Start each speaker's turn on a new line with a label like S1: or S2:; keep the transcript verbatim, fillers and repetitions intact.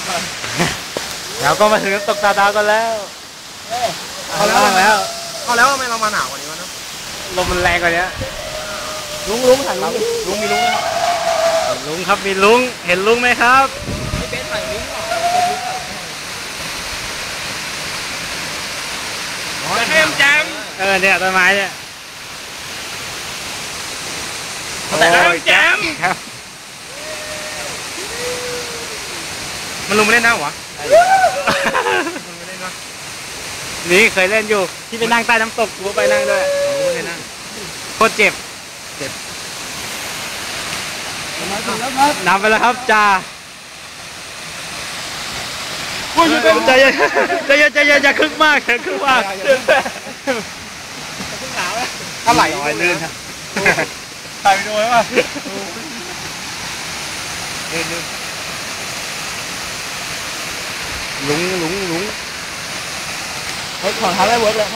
S1: เราก็มาถึงน้ำตกตาดาวกันแล้วเอาแล้วแล้ว
S2: เอาแล้วทำไมเรามาหนาวกว่านี้วะเนาะ
S1: ลมมันแรงกว่านี้ลุงลุงถ่ายลุงลุงมีลุงไหมลุงครับมีลุงเห็นลุงไหมครับไม่เป็นถ่ายลุงหรอจะเข้มจังเออเนี่ยต้นไม้เนี่ยแต่เข้มจังมันลุงไม่เล่นน้ำหรอนี่เคยเล่นอยู่ที่ไปนั่งใต้น้ำตกกูไปนั่งด้วยไม่ได้นั่งโคตรเจ็บเจ็บนำไปแล้วครับจ่าใจเย็นใจเย็นใจเย็นอย่าคึกมากอย่าคึกมากอะไรลอยลื่นครับถ่ายไปดูไหมวะลุงลุงลุงเฮ้ยถอดเท้าได้เวิร์กเลย